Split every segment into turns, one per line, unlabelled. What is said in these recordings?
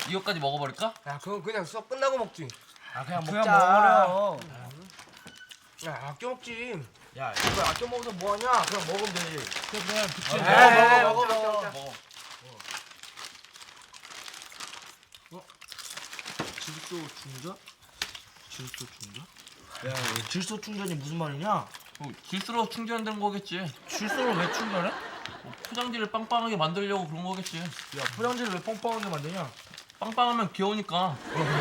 이거까지 먹어버릴까?
야, 그건 그냥 수업 끝나고 먹지.
아 그냥
그냥
먹자.
먹으려. 야, 아껴 먹지. 야, 이거 아껴 먹어서 뭐하냐? 그냥 먹으면 되지.
그냥 그치.
에이,
먹어.
먹어.
질소 충전? 질소 충전? 야, 질소 충전이 무슨 말이냐?
질소로 충전되는 거겠지.
질소를 왜 충전해?
포장지를 빵빵하게 만들려고 그런 거겠지.
야, 포장지를 왜 뻥뻥하게 만드냐?
빵빵하면 귀여우니까.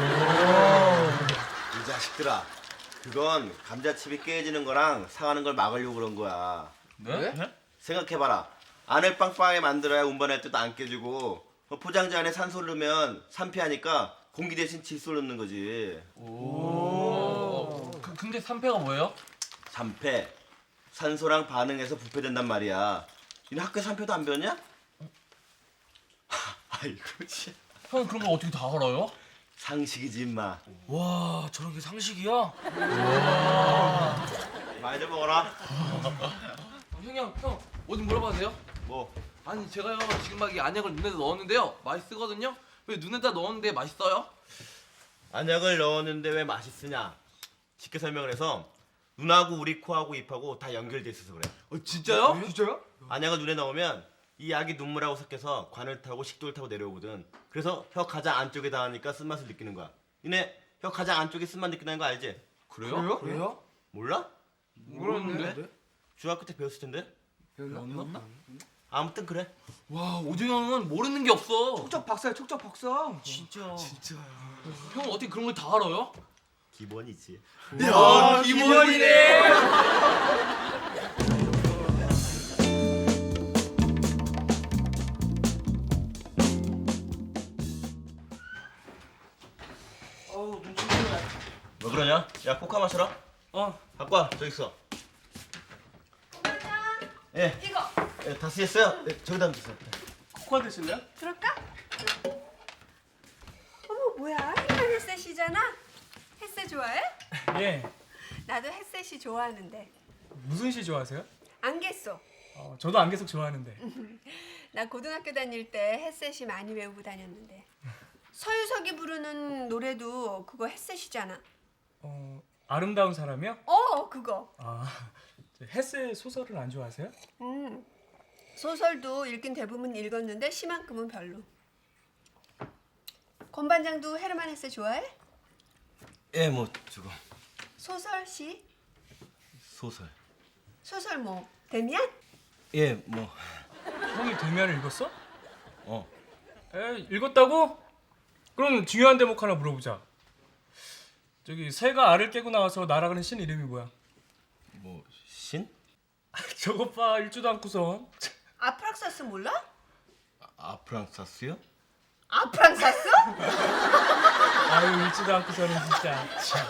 이 자식들아, 그건 감자칩이 깨지는 거랑 상하는 걸 막으려고 그런 거야.
네?
생각해봐라. 안을 빵빵하게 만들어야 운반할 때도 안 깨지고 포장지 안에 산소를 넣으면 산패하니까 공기 대신 질소를 넣는 거지.
근데 산패가 뭐예요?
산패, 산소랑 반응해서 부패된단 말이야. 니네 학교 산패도 안 배웠냐? 아이고 참.
형 그런 걸 어떻게 다 알아요?
상식이지 임마.
와, 저런 게 상식이야?
많이 좀 먹어라.
형 어디 물어봐도 돼요?
뭐
아니 제가요 지금 막 이 안약을 눈에다 넣었는데요 맛있거든요? 왜 눈에다 넣었는데 맛있어요?
안약을 넣었는데 왜 맛있으냐? 쉽게 설명을 해서 눈하고 우리 코하고 입하고 다 연결돼 있어서 그래.
진짜요?
진짜요?
안약을 눈에 넣으면 이 약이 눈물하고 섞여서 관을 타고 식도를 타고 내려오거든. 그래서 혀 가장 안쪽에 닿으니까 쓴맛을 느끼는 거야. 니네 혀 가장 안쪽에 쓴맛 느끼는 거 알지?
그래요?
그래요?
몰라?
모르는데?
중학교 때 배웠을 텐데?
없나?
아무튼 그래.
와 오중 형은 모르는 게 없어.
촉적 박사야, 촉적 박사.
진짜.
형 어떻게 그런 걸 다 알아요?
기본이지.
야 기본이네.
어우, 눈치 보네.
왜 그러냐? 야 코카 마셔라. 갖고 와. 저기 있어. 예.
이거
예, 다 쓰셨어요? 예, 저기다 주세요.
코카 드실래요?
그럴까? 어머 뭐야 이거 햇셋이잖아. 햇셋 좋아해?
예.
나도 햇셋이 좋아하는데.
무슨 시 좋아하세요?
안개소.
저도 안개석 좋아하는데.
나 고등학교 다닐 때 햇셋이 많이 외우고 다녔는데. 서유석이 부르는 노래도 그거 햇셋이잖아.
아름다운 사람이요?
그거.
헤세 소설을 안 좋아하세요?
소설도 읽긴 대부분 읽었는데 시만큼은 별로. 권 반장도 헤르만 헤세 좋아해?
예, 뭐 저거
소설 시?
소설.
소설 뭐 데미안?
예, 뭐
형이 데미안을 읽었어?
어.
읽었다고? 그럼 중요한 대목 하나 물어보자. 저기 새가 알을 깨고 나와서 날아가는 신 이름이 뭐야?
뭐 신?
저것 봐 읽지도 않고선.
아프락사스 몰라?
아프랑사스요?
아프랑사스?
아유 읽지도 않고서는 진짜.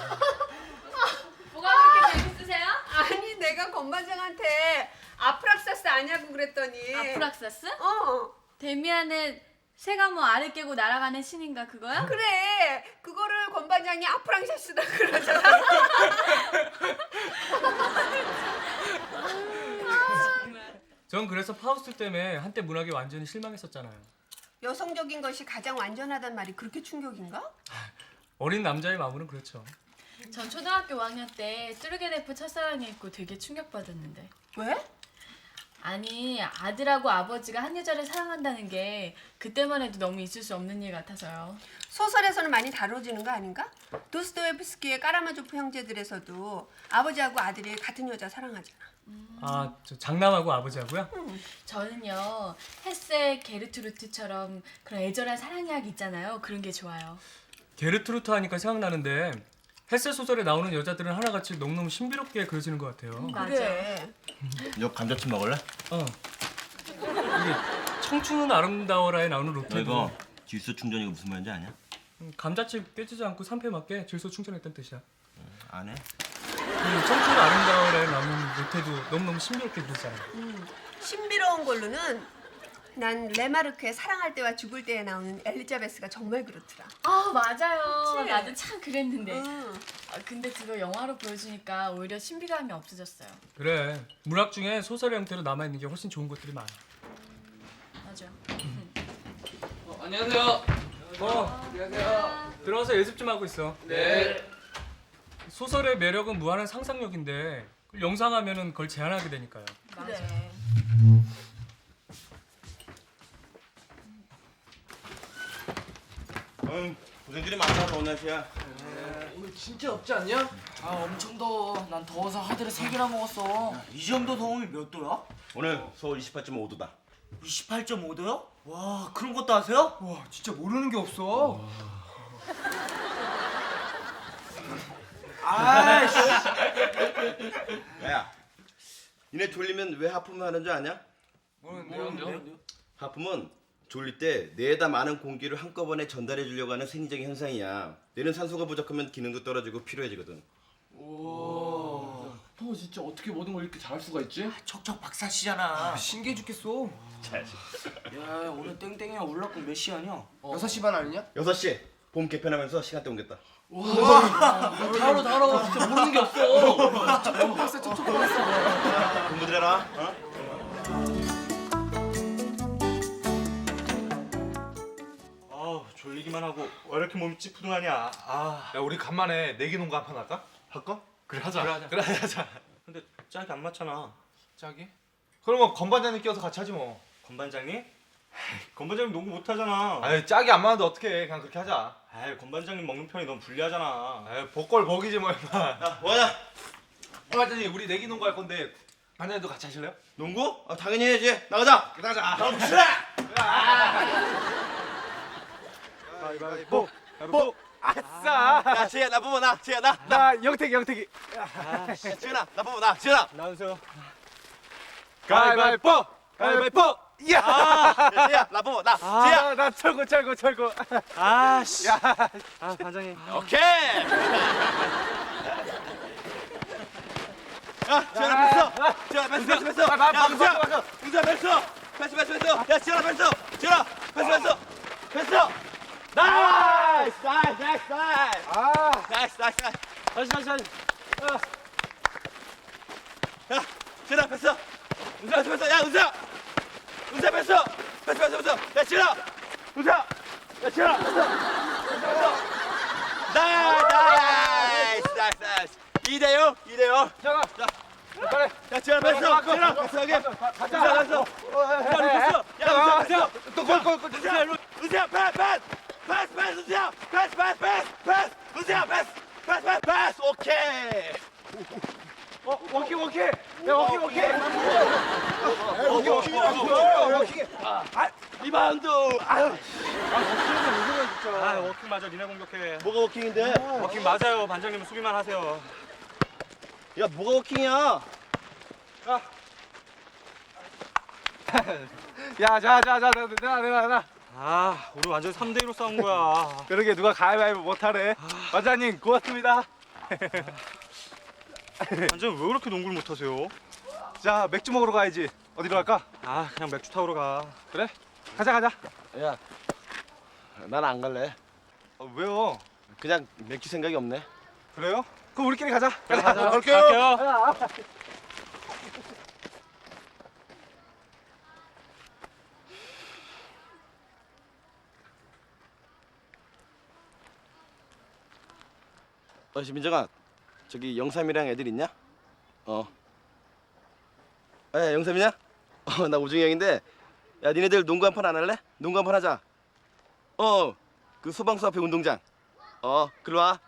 뭐가 그렇게 재밌으세요? 아니 내가 권 반장한테 아프락사스 아냐고 그랬더니
아프락사스?
데미안의
새가 뭐 알을 깨고 날아가는 신인가 그거야?
그래 그거를 권 반장이 아프랑사스다 그러잖아.
전 그래서 파우스트 때문에 한때 문학에 완전히 실망했었잖아요.
여성적인 것이 가장 완전하단 말이 그렇게 충격인가?
어린 남자의 마음은 그렇죠.
전 초등학교 5학년 때 뚜르게네프 첫사랑에 있고 되게 충격받았는데.
왜?
아니 아들하고 아버지가 한 여자를 사랑한다는 게 그때만 해도 너무 있을 수 없는 일 같아서요.
소설에서는 많이 다뤄지는 거 아닌가? 도스토옙스키의 까라마조프 형제들에서도 아버지하고 아들이 같은 여자 사랑하잖아.
저 장남하고 아버지하고요?
저는요 헤세 게르트루트처럼 그런 애절한 사랑 이야기 있잖아요. 그런 게 좋아요.
게르트루트 하니까 생각나는데 헤세 소설에 나오는 여자들은 하나같이 너무너무 신비롭게 그려지는 것 같아요.
맞아.
그래.
너 감자칩 먹을래?
이게 청춘은 아름다워라에 나오는
너
로테도
이거 질소 충전이가 무슨 말인지 아냐?
감자칩 깨지지 않고 산패 맞게 질소 충전했다는 뜻이야.
안 해?
청춘은 아름다워라에 나오는 로테도 너무너무 신비롭게 그리잖아요.
신비로운 걸로는 난 레마르크의 사랑할 때와 죽을 때에 나오는 엘리자베스가 정말 그렇더라.
아 맞아요.
그치?
나도 참 그랬는데.
응.
근데 그거 영화로 보여주니까 오히려 신비감이 없어졌어요.
그래, 문학 중에 소설의 형태로 남아있는 게 훨씬 좋은 것들이 많아.
맞아.
안녕하세요. 안녕하세요.
들어와서 연습 좀 하고 있어.
네.
소설의 매력은 무한한 상상력인데 그걸 영상하면은 그걸 제한하게 되니까요.
그래.
고생들이 많다 더운 날씨야.
오늘 진짜 덥지 않냐?
아 엄청 더워. 난 더워서 하드를 3개나 먹었어.
이 정도 더우면 몇 도야?
오늘 서울 28.5도다.
28.5도요? 와 그런 것도 아세요?
와 진짜 모르는 게 없어.
아이씨.
야, 니네 졸리면 왜 하품을 하는 줄 아냐?
모르는데요?
하품은 졸릴 때 뇌에다 많은 공기를 한꺼번에 전달해 주려고 하는 생리적인 현상이야. 뇌는 산소가 부족하면 기능도 떨어지고 피로해지거든.
형 진짜 어떻게 모든 걸 이렇게 잘할 수가 있지?
척척 박사씨잖아.
신기해 죽겠어.
야 오늘 땡땡이야 올라고 몇 시야냐?
6시 반 아니냐?
6시 봄 개편하면서 시간대 옮겼다.
다뤄 진짜 모르는 게 없어.
공부들 해라.
아우 졸리기만 하고 왜 이렇게 몸이 찌푸둥하냐.
야 우리 간만에 내기 농구 한 판 할까?
할까?
그래 하자. 그래 하자.
근데 짝이 안 맞잖아.
짝이? 그러면 건반장님 끼워서 같이 하지 뭐.
건반장님? 건반장님 농구 못하잖아.
아유 짝이 안 맞는데 어떻게? 그냥 그렇게 하자.
아이 건반장님 먹는 편이 너무 불리하잖아.
아유 복걸 복이지 뭐 임마.
야, 뭐하냐?
건반장님 우리 내기 농구 할 건데 반장님도 같이 하실래요?
농구? 아, 당연히 해야지. 나가자. 나가자.
가위바위보. 보. 아싸.
야, 지혜야, 나 뽑아 나. 지혜야, 나.
나 영택이.
야, 지은아, 나 뽑아 나. 지은아.
나오세요.
가위바위보. 가위바위보. 야.
야, 지혜야, 나 뽑아 나. 지혜야.
나 철거.
아씨. 아 반장님.
오케이. 야, 지현아 패스. 지현아 패스. 야, 은수야 패스. 패스. 야, 지현아 패스. 지현아 패스. 나이스.
다시.
야, 지현아 패스. 은수야 패스. 야, 은수야 패스. 패스. 야, 지현아. 은수야. 야, 지현아. 나이스. 2대0. 자,
그래.
야, 지현아 패스. 지현아 패스 여기. 가자. 패스. 야, 은수야. 은수야 패스. 은수야 패스. 오케이.
워킹. 야 워킹.
리바운드. 아유,
아 워킹 맞아. 니네 공격해.
뭐가 워킹인데?
워킹 맞아요. 반장님은 수비만 하세요.
야, 뭐가 워킹이야?
야, 나.
아 우리 완전 3대2로 싸운 거야.
그러게 누가 가위바위보 못하래. 반장님 고맙습니다.
반장님 왜 그렇게 농구를 못하세요?
자, 맥주 먹으러 가야지. 어디로 갈까?
아 그냥 맥주 타오러 가.
그래? 가자.
야, 난 안 갈래.
왜요?
그냥 맥주 생각이 없네.
그래요? 그럼 우리끼리 가자.
갈게요.
민정아, 저기 영삼이랑 애들 있냐? 에, 영삼이냐? 나 우중이 형인데, 야, 니네들 농구 한 판 안 할래? 농구 한 판 하자. 그 소방서 앞에 운동장. 글로 와.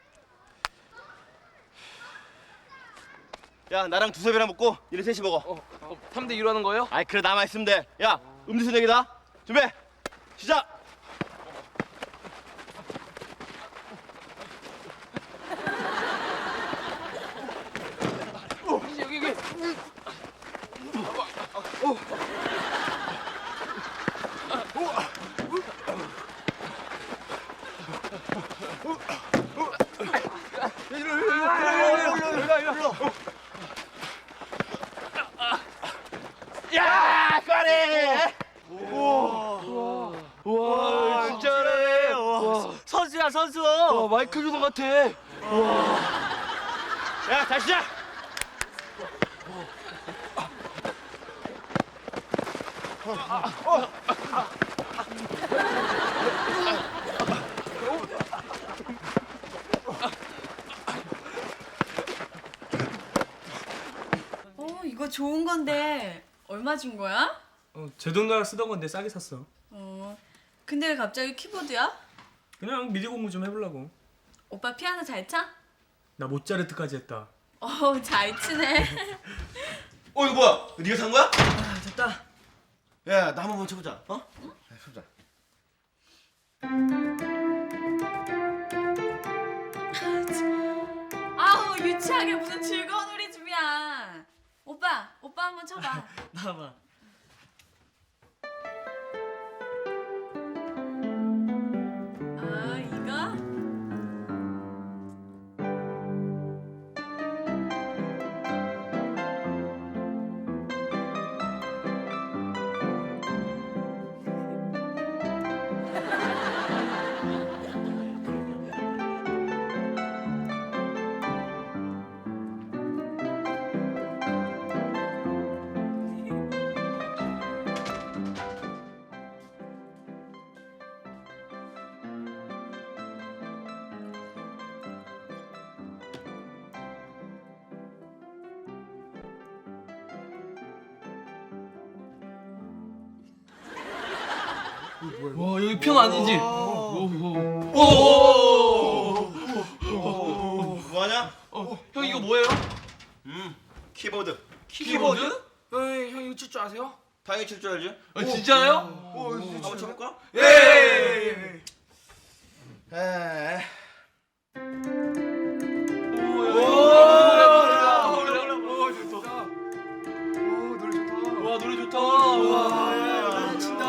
야, 나랑 두섭이랑 먹고 니네 셋이 먹어.
3대 2로 하는 거예요?
아이, 그래, 남아 있으면 돼. 야, 음료수 내기다. 준비, 시작. 야, 까리!
와, 진짜 잘해.
선수야 선수.
마이클 조던 같아.
야, 다시 시작!
좋은 건데 얼마 준 거야?
제 돈으로 쓰던 건데 싸게 샀어.
근데 왜 갑자기 키보드야?
그냥 미디 공부 좀 해보려고.
오빠 피아노 잘 쳐?
나 모차르트까지 했다.
잘 치네.
이거 뭐야? 네가 산 거야?
아, 됐다.
야, 나 한번 쳐보자. 어? 해보자.
아우 유치하게 무슨 즐거운 우리 집이야. 오빠 한번 쳐봐.
나와봐.
이거?
와 여기 피아노 아니지?
뭐하냐?
형 이거 뭐예요?
키보드.
키보드?
형 이거 칠 줄 아세요?
당연히 칠 줄 알지?
진짜요?
한번 쳐볼까?
예.
에.
와 노래 좋다.
와, 친다.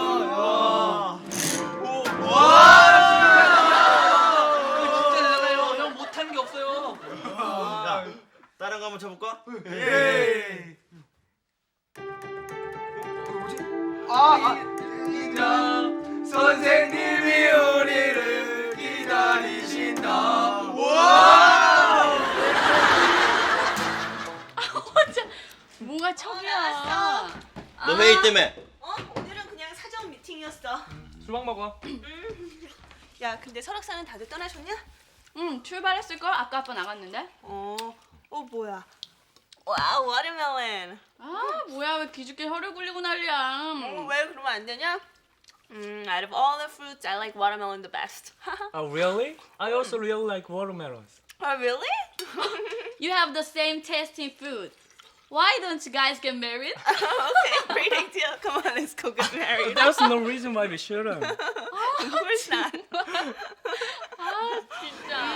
진짜 대단해요. 형 못하는 게 없어요.
야, 다른 거 한번 쳐볼까?
예. 선생님이 우리를 기다리신다.
뭐가 척이야.
너 회의 때문에.
오늘은 그냥 사정 미팅이었어.
수박 먹어.
야, 근데 설악산은 다들 떠나셨냐?
응 출발했을걸? 아까 아빠 나갔는데.
뭐야? 와, 워터멜론.
뭐야 왜 기죽게 혀를 굴리고 난리야.
왜 그러면 안 되냐? Out of all the fruits, I like watermelon the best.
Really? I also really like watermelons.
Oh, really?
You have the same taste in food. Why don't you guys get married?
Okay, great idea. Come on, let's go get married.
There's no reason why we shouldn't.
Of course not.
진짜.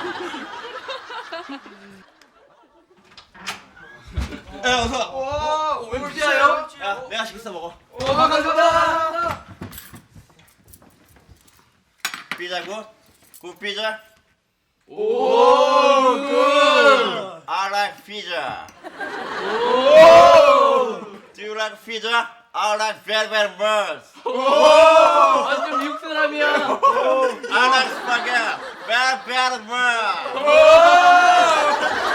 야, 어서.
왜 피아요?
야, 내가 시켰어 먹어.
감사합니다.
피자 굿. 굿 피자.
오 굿.
I like pizza. Do you like pizza? I like very very much.
완전 미국 사람이야.
I like spaghetti very very much.